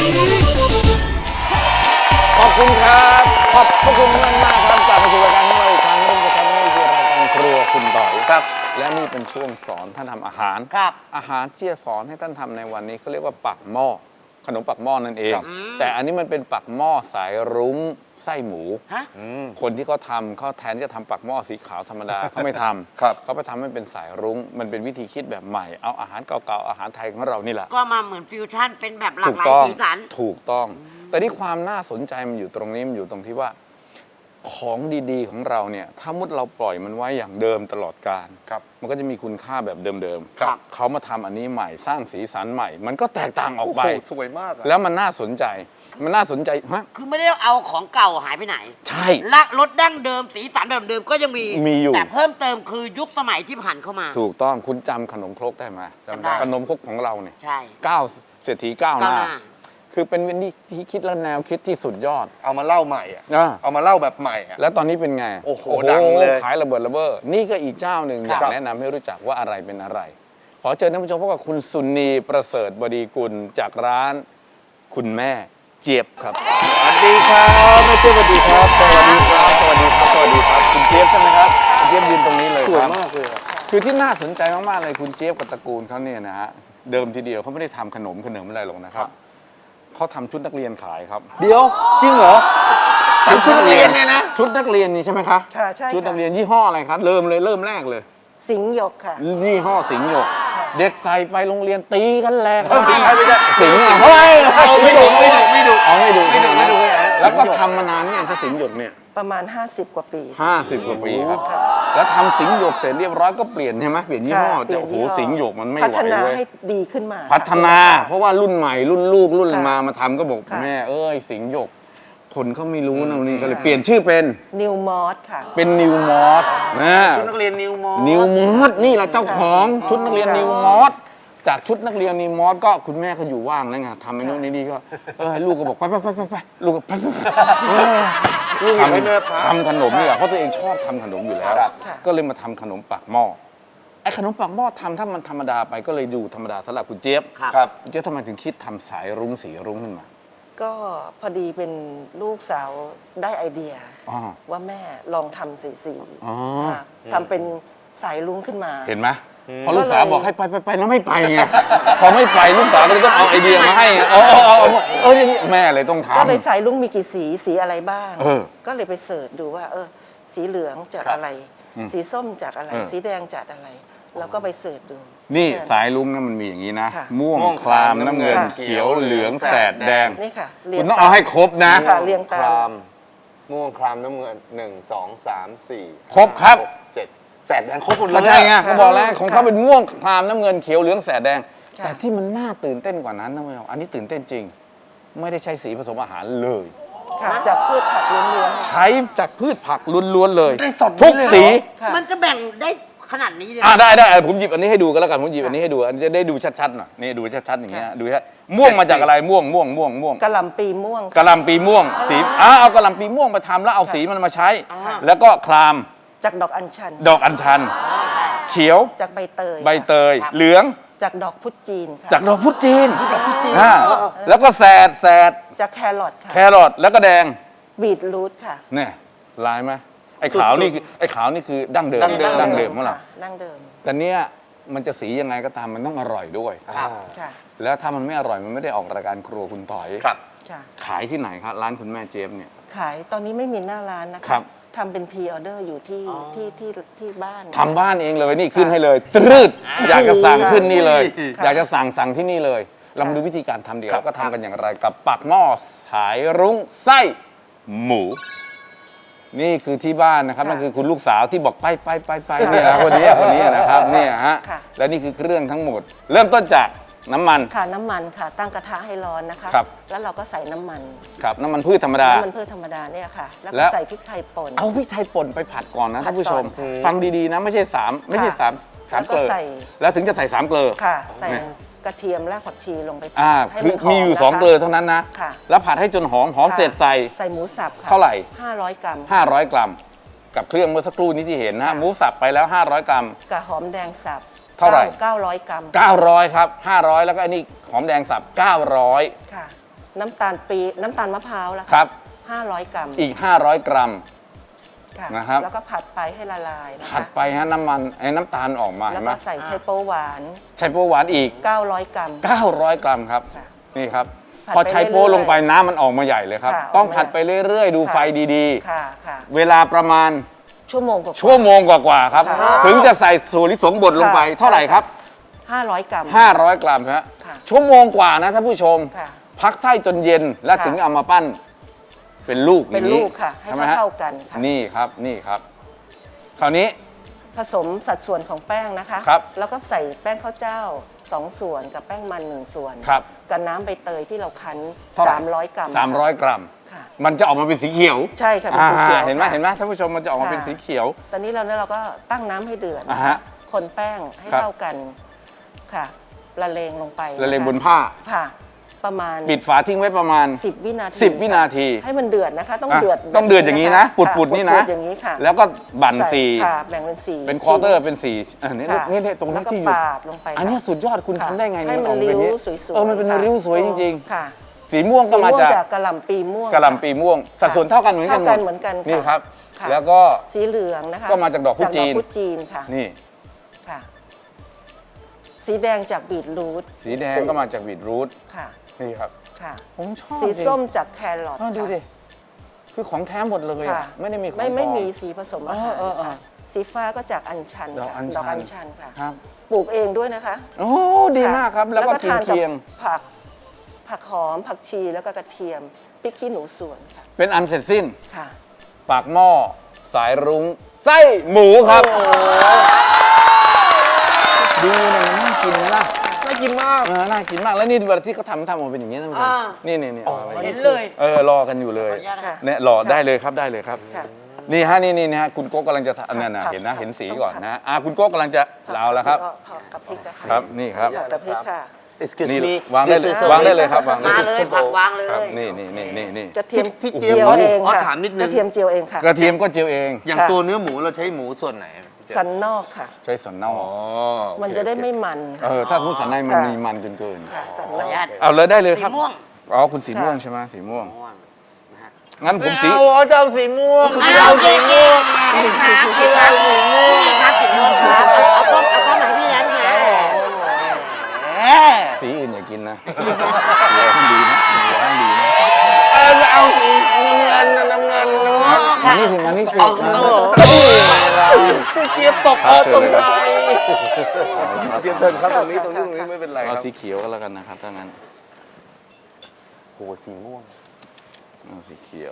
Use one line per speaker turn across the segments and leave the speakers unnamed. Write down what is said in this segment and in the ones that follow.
ขอบคุณครับขอบพระคุณมากมากครับกลับมาสู่รายการของเราอีกครั้งนึงนะครับนี่คือรายการครัวคุณต่อยครับและนี่เป็นช่วงสอนท่านทำอาหาร
ครับ
อาหารที่จะสอนให้ท่านทำในวันนี้เขาเรียกว่าปักหม้อขนมปักหม้อนั่นเองแต่อันนี้มันเป็นปักหม้อสายรุ้งไส้หมูคนที่เขาทำเขาแทนที่จะทำปักหม้อสีขาวธรรมดาเขาไม่ทำเขาไปทำให้เป็นสายรุ้งมันเป็นวิธีคิดแบบใหม่เอาอาหารเก่าๆอาหารไทยของเรานี่แหละ
ก็มาเหมือนฟิวชั่นเป็นแบบหลากหลายสีสัน
ถูกต้องแต่ที่ความน่าสนใจมันอยู่ตรงนี้มันอยู่ตรงที่ว่าของดีๆของเราเนี่ยถ้ามุดเราปล่อยมันไว้อย่างเดิมตลอดกาลมันก็จะมีคุณค่าแบบเดิมๆเขามาทำอันนี้ใหม่สร้างสีสันใหม่มันก็แตกต่างออกไป
สวยมาก
แล้วมันน่าสนใจ
คือไม่ได้เอาของเก่าหายไปไหน
ใช่
ละรสดั้งเดิมสีสันแบบเดิมก็ยังมี
อยู่
แต่เพิ่มเติมคือยุคสมัยที่ผ่านเข้ามา
ถูกต้องคุณจำขนมครกได้ไหม
จำได้
ขนมครกของเราเนี่ย
ใช่
เศรษฐีก้าวหน้าคือเป็นวิธีที่คิดและแนวคิดที่สุดยอด
เอามาเล่าใหม่เอามาเล่าแบบใหม่
แล้วตอนนี้เป็นไง
โอ้โหดังเลย
ขายระเบิดระเบ้อนี่ก็อีกเจ้าหนึ่งอยากแนะนำให้รู้จักว่าอะไรเป็นอะไรขอเชิญท่านผู้ชมพบกับคุณสุนีประเสริฐบดีกุลจากร้านคุณแม่เจี๊ยบครับสวัสดีครับแม่เจี๊ยบสวัสดีครับสวัสดีครับสวัสดีครับสวัสดีครับคุณเจี๊ยบใช่ไหมครับคุณเจี๊ยบยืนตรงนี้เลย
สวยมากเลย
คือที่น่าสนใจมากๆเลยคุณเจี๊ยบกับตระกูลเขาเนี่ยนะฮะเดิมทีเดียวเขาไม่ได้ทำขนมอะไรหรอกนะครับเขาทำชุดนักเรียนขายครับ
เดี๋ยวจริงเหรอ
ชุดนักเรียนเนี่ยนะชุดนักเรียนนี่ใช่ไหมคะ
ค่ะใช่
ชุดนักเรียนยี่ห้ออะไรครับเริ่มแรกเลย
สิงห์หยกค่ะ
ยี่ห้อสิงห์หยกเด็กใส่ไปโรงเรียนตีกันแหลก
ไม่ใช่
สิงห์เฮ้ยไม่ดูแล้วก็ทำมานานเนี่ยถ้าสิงห์หยกเนี่ย
ประมาณ50 กว่าปี
50 กว่าปีครับแล้วทำสิงห์หยกเสร็จเรียบร้อยก็เปลี่ยนใช่ไหมเปลี่ยนยี่ห้อแต่โอ้โหสิงห์หยกมันไม่ไหว
พัฒนาให้ดีขึ้นมา
พัฒนาเพราะว่ารุ่นใหม่รุ่นลูกรุ่นมาทำก็บอกแม่เอ้ยสิงห์หยกคนเขาไม่รู้นะนี่ก็เลยเปลี่ยนชื่อเป็น
นิวมอสค่ะ
เป็นนิวมอส
ชุดนักเรียนนิวมอ
สนี่แหละเจ้าของชุดนักเรียนนิวมอสจากชุดนักเรียนนิวมอสก็คุณแม่ก็อยู่ว่างนะไงทำไอ้นู่นนี่ก็ลูกก็บอกไปลูกก็ทำขนมนี่แหละเพราะตัวเองชอบทำขนมอยู่แล้วก็เลยมาทำขนมปักหม้อไอ้ขนมปักหม้อทำถ้ามันธรรมดาไปก็เลยดูธรรมดาสำหรับคุณเจี๊ยบคุณเจี๊ยบทำไมถึงคิดทำสายรุ้งสีรุ้งขึ้นมา
ก็พอดีเป็นลูกสาวได้ไอเดียว่าแม่ลองทำสีทำเป็นสายรุ้งขึ้นมา
เห็นไหมพอลูกสาวบอกให้ไปแล้วไม่ไปไงพอไม่ไปลูกสาวก็เลยต้องเอาไอเดียมาให้แม่เลยต้องทำ
ก็เลยสายรุ้งมีกี่สีอะไรบ้างก็เลยไปเสิร์ชดูว่าสีเหลืองจากอะไรสีส้มจากอะไรสีแดงจากอะไรแล้วก็ไปเสิร์ชดู
นี่สายรุ้งนะมันมีอย่างนี้นะม่วงครามน้ำเงินเขียวเหลืองแสดแดง
นี่ค่ะ
คุณต้องเอาให้ครบนะ
เรียงตาม
ม่วงครามน้ำเงิน1 2 3 4
ครบครับ
7แสดแดงครบหมดเลย
ใช่ไงเขาบอกแล้วของเขาเป็นม่วงครามน้ำเงินเขียวเหลืองแสดแดงแต่ที่มันน่าตื่นเต้นกว่านั้นนะอันนี้ตื่นเต้นจริงไม่ได้ใช้สีผสมอาหารเลย
จากพืชผักล้วน
ๆใช้จากพืชผักล้วนๆเลยทุกสี
มันจะแบ่งได้ขนาดนี้เลย
ได้ผมหยิบอันนี้ให้ดูกันแล้วกันผมหยิบอันนี้ให้ดูอันนี้จะได้ดูชัดๆหน่อยนี่ดูชัดๆอย่างเงี้ยดูฮะม่วงมาจากอะไรม่วง
กะหล่ำปีม่วง
สีเอากะหล่ำปีม่วงมาทำแล้วเอาสีมันมาใช้แล้วก็คราม
จากดอกอัญชัน
เขียว
จากใบเตย
เหลือง
จากดอกพุจีนค่ะ
จากดอกพุจีนแล้วก็แสด
จากแครอทค่ะ
แล้วก็แดง
บีทรูทค่ะ
เนี่ยลายไหมไอ้ขาวนี่คือดั้งเดิมของเรา
ดั้งเดิม
แต่เนี้ยมันจะสียังไงก็ตามมันต้องอร่อยด้วยแล้วถ้ามันไม่อร่อยมันไม่ได้ออกรายการครัวคุณต่อยขายที่ไหนครับร้านคุณแม่เจี๊ยบเนี่ย
ขายตอนนี้ไม่มีหน้าร้านนะคะทำเป็นพรีออเดอร์อยู่ที่บ้าน
ทำบ้านเองเลยนี่ขึ้นให้เลยตรึดอยากจะสั่งขึ้นนี่เลยอยากจะสั่งที่นี่เลยเรามาดูวิธีการทำดีแล้วก็ทำกันอย่างไรกับปักหม้อสายรุ้งไส้หมูนี่คือที่บ้านนะครับนั่นคือคุณลูกสาวที่บอกไปเนี่ยนะคนนี้นะครับเนี่ยฮะและนี่คือเครื่องทั้งหมดเริ่มต้นจากน้ำมัน
ค่ะตั้งกระทะให้ร้อนนะคะแล้วเราก็ใส่น้ำมัน
ครับน้ำมันพืชธรรมดา
เนี่ยค่ะแล้วก็ใส่พริกไทยป่น
เอาพริกไทยป่นไปผัดก่อนนะท่านผู้ชมฟังดีๆนะไม่ใช่3เกลือแล้วถึงจะใส่3เกลือ
ค่ะใส่กระเทียมรากผักชีลงไป
คือมีอยู่2เกลือเท่านั้นนะแล้วผัดให้จนหอมเสร็จใส่
หมูสับ
เท่าไหร่
500 กรัม
กับเครื่องเมื่อสักครู่นี้ที่เห็นนะหมูสับไปแล้ว500 กรัม
กับหอมแดงสับ
เท่าไหร่
900 กรัม
900ครับ500แล้วก็อันนี้หอมแดงสับ900
ค่ะน้ำตาลปี๊บน้ำตาลมะพร้าวแล้ว
ครับ
500 กรัม
อีก 500 กรัม
ค่ะ
นะครับ
แล้วก็ผัดไปให้ละลายนะ
ผัด
คะ
ไปฮะน้ำมันน้ำตาลออกมา
แล้
เห็
วน
ไหม
ก็ใส่ไชโป๊วหวาน
ใช้โป๊หวานอีก
900 กรัม
900 กรัมครับ
ค่ะ
นี่ครับ
ผัด
พอใช้โป๊
ไปเรื่อยๆ
ลงไปน้ำมันออกมาใหญ่เลยครับ
ค่ะ
ต้อง
ออกมา
ผัดไปเรื่อยๆ ดู
ค่ะ
ไฟดี
ค่ะค่ะ
ๆ เวลาประมาณ
ชั่วโมงกว่า
ชั่วโมงกว่าๆครับ
ค่ะ
ถึงจะใส่ถั่วลิสงบดลงไป
ค่ะ
เท่าไหร่ครับ
500 กรัม
500 กรัมฮะ
ค่ะ
ชั่วโมงกว่านะท่านผู้ชม
ค่ะ
พักไส้จนเย็นแล้ว
ค่ะ
ถึงเอามาปั้นเป็นลูก
เป็น
อย่าง
ลูกค่ะ ให้
ใช่ไหมฮะ
เท่าๆกันค่ะ
นี่ครับนี่ครับ คราวนี้
ผสมสัดส่วนของแป้งนะคะ
ครับ
แล้วก็ใส่แป้งข้าวเจ้า 2 ส่วนกับแป้งมัน 1 ส่วน
ครับ
กับน้ำใบเตยที่เราคั้น
เท่าไหร่
300 กรัม
300 กรัม
ค่ะ
มันจะออกมาเป็นสีเขียว
ใช่ค่ะเป็นสีเขียว
เห็นไหม
ค่ะ
เห็นไหมท่านผู้ชมมันจะออกมา
ค่ะ
เป็นสีเขียว
ตอนนี้เราก็ตั้งน้ำให้เดือด
อ่า
นะ
ฮะ
คะคนแป้งให้
ครับ
เท่ากันค่ะละเลงลงไป
ละเลง
ค
บนผ้า
ค่ะ ประมาณ
ปิดฝาทิ้งไว้ประมาณ
10 วินาที
10 วินาที
ให้มันเดือดนะคะ ต้อง
อ่ะ
เดือด
ต้องเดือดอย่างนี้นะ
ค่
ปุดๆนี่นะ
ปุดๆอย่างนี้ค่ะ
แล้วก็บั่น
ใส่
สี
ค่ะแบ่งเป็นสี
เป็นควอเตอร์เป็นสีนี่
ค่ะ
นี่ตรงนี้
แล้วก็
ที่อยู่
ปาดลงไป
อันนี้
ค่ะ
สุดยอดคุณ
ค่ะ
ทำได้ไง
ให้มัน
ออกเป็
ริ้ว
นี้
สวยๆ
มันเป็น
ค่ะ
ริ้วสวยจริง
ค่ะ
ๆ สีม่วงก็มา
สี
จาก
กะหล่ำปีม่วง
กะหล่ำปีม่วง สัดส่วนเท่ากันเหมือนกันหม
เท่ากั
ด
นเหมือนกันค่ะ
นี่ครับ
ค่ะ
แล้วก็
สีเหลืองนะคะ
ก็มาจากดอกพุจีน
พุจีนค่ะ
นี่
ค่ะ สีแดงจากบีทรูท
สีแดงก็มาจากบีทรูท
ค่ะ
นี่ครับ
ค่ะ
ผมชอบ
สี
จริง
ส้มจากแครอท
ดู
ค่ะ
ดิ คือของแท้หมดเลย
ค่ะ
อะไม่ได้มีของ
ไม่
ปลอ
มีสีผสมอาหาร
เออ
ค่ะสีฟ้าก็จากอัญชัน
ดอก
ค่ะ
อัญ
ดอก
ชั
อั
น
ญชันค่ะ
ครับ
ปลูกเองด้วยนะคะ
โอ้ดีมากครับ แล้วก็กิน
ทานกับ
เคียง
ผักหอม ผักชีแล้วก็กระเทียมพริกขี้หนูสวนค่ะ
เป็นอันเสร็จสิ้น
ค่ะ
ปากหม้อสายรุ้งไส้หมูครับดูเนี่ยน่ากินไหมล่ะ
น่ากินมาก
น่ากินมากแล้วนี่เวลาที่เขาทำออกมาเป็นอย่างนี้ท่านผู้ชม
อ่า
นี่อาไว้
เห็นเลย
รอกันอยู่เลย
ขออนุญาตนะ
ค่ะ
เนี่ยรอได้เลยครับได้เลยครับ
ค่ะ
นี่ฮะนี่นะฮะคุณโก้กำลังจะเนี่ยนะ
ครับ
เห็นนะ
ครับ
เห็นสีก่อนนะคุณโก้กำลังจะเอาแล้วครับ
กับพริกนะคะ
ครับนี่ครับ
กับพริกค่ะ
Excuse
นี่
me
วางได้เลย
This is
วางได้เลยครับวางได้
มาเลยผักวางเลย
ครับนี่
กระเทียม
พริก
เจียวเอง
อ๋อ
ค่ะ
ถามนิดนึง
กระเทียมเจียวเองค่ะ
กระเทียมก็เจียวเอง
อย่าง
ค่ะ
ตัวเนื้อหมูเราใช้หมูส่วนไหน
สันนอกค่ะ
ใช้สันนอก
มันจะได้ไม่มัน
ถ้าพูดสันในมัน
ค่ะ
มีมันจนเกิน
ค่ะสัน
ขอน อ
อ
นุ
ก
ญาต
เอาเลยได้เลย
สี
ครับ
ม่วง
อ๋อคุณสีม่วง
ค่ะ
ใช่ไหมสีม่วง
ม่วงนะฮะ
งั้นผมสี
เอาจะเอาสีม่วง
เอาสีม่วงครับสีม่วงครับสีม่วงครับเอาต้มไหนพี่นั้นค่ะแหม
สีอื่นอย่ากินนะเดี๋ยวให้ดีนะเดี๋ยวให้ดีนะ
จะเอาสีเงินน้ำเงินเนาะ
มานี่สิมานี่สิ
พี่เจี๊ยบตกตรงไหนเจี๊ยบเทินครับตรงนี้ไม่เป็นไรค
เอา
รับ
สีเขียวก็แล้วกันนะครับถ้างั้น
โหสีม่วง
เอาสีเขียว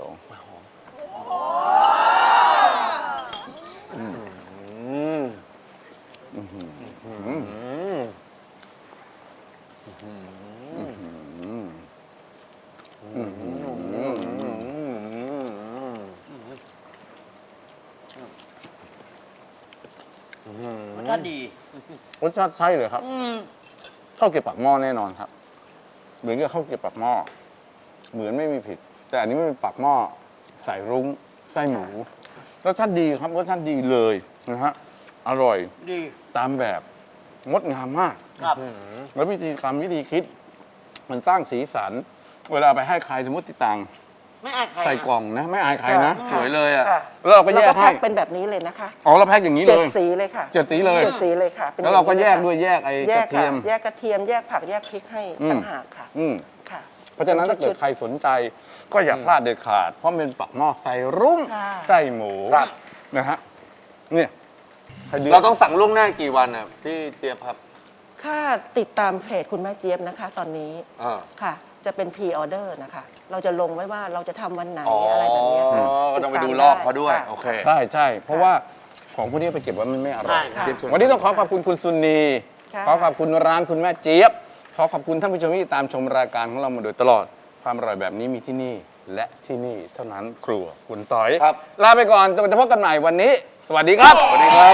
รสชาติดี
รสชาติใช่เลยครับข้าวเกรี๊ยวปากหม้อแน่นอนครับ เหมือนกับข้าวเกรี๊ยวปากหม้อเหมือนไม่มีผิด แต่อันนี้ไม่เป็นปากหม้อใส่รุ้งไส้หมูรสชาติดีครับรสชาติดีเลยนะฮะอร่อย
ดี
ตามแบบงดงามมาก
ครับ
แล้ววิธีคิด มันสร้างสีสัน เวลาไปให้ใครสมมติติดตัง
ไม่อายใคร
ใส่กล่องนะ ไม่อายใครนะ
สวยเลยอ่ะ
ค่ะ
แล้วเราก็แยกให้
แพ็คเป็นแบบนี้เลยนะคะ
อ๋อเราแพ็คอย่างนี้เล
เจ็ด
ย
สีเลยค่ะ
7 สีเลย
7 สีเลยค่ะป็น
แล้วเราก็
อง
แย
นี้
ก
ล
ด้วยแยกไอ้
แย
ก
ก
ระเทียม
แยกกระเทียมแยกผักแยกพริกให้
อืม
ต่างหากค่ะ
อืม
ค่ะ
เพราะฉะนั้นถ้าเกิดใครสนใจก็อย่าพลาดเด็ดขาด เพราะมันเป็นปักหม้อใส่รุ้ง
ค่ะ
ไส้หมู
ครับ
นะฮะเนี่ยใคดื้
เราต้องสั่งล่วงหน้ากี่วันอ่ะพี่เจี๊ยบครับ
ค่าติดตามเพจคุณแม่เจี๊ยบนะคะ ตอนนี้
อ่า
ค่ะ จะเป็นพรีออเดอร์นะคะ เราจะลงไว้ว่าเราจะทำวันไหน
อ๋ออ
อะไรแบบเนี้ยค่ะ
ก็ต้องไป
ติ
ดู
ตาม
รอบเขาด้วย
ค่ะ
โอเค
ใช่ เพราะว่าของพวกนี้ไปเก็บไว้มันไม่อร่อย
ใช่
ค่ะ
วันนี้ต้องขอขอบคุณคุณซุนี
ค่ะ
ขอขอบคุณร้านคุณแม่เจี๊ยบ ขอขอบคุณท่านผู้ชมที่ตามชมรายการของเรามาโดยตลอด ความอร่อยแบบนี้มีที่นี่และที่นี่เท่านั้นครัวคุณต่อย
ครับ
ลาไปก่อนจะพบกันใหม่วันนี้ สวัสดีครับ
สวัสดีครับ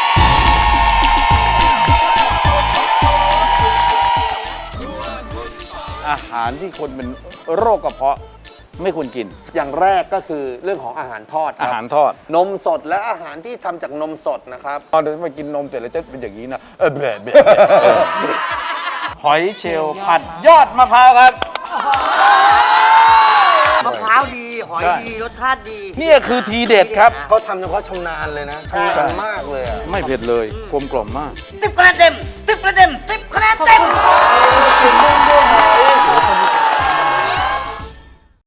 อาหารที่คนเป็นโรคกระเพาะไม่ควรกิน
อย่างแรกก็คือเรื่องของอาหารทอดค
อา
รับ
หารทอด
นมสดและอาหารที่ทำจากนมสดนะครับ
ตอนเดินไปกินนมเสร็จแล้วจะเป็นอย่างนี้นะแบบหอยเชลล์ผัดยอดมะพร้าวครับ
มะพร้าวดีหอยดีรสชาติดี
เนี่ยคือทีเด็ดครับ
เขาทำเฉพาะชำนาญเลยนะชำนาญมากเลยอ่ะ
ไม่เผ็ดเลยกลมกล่อมมาก
10 คะแนนเต็ม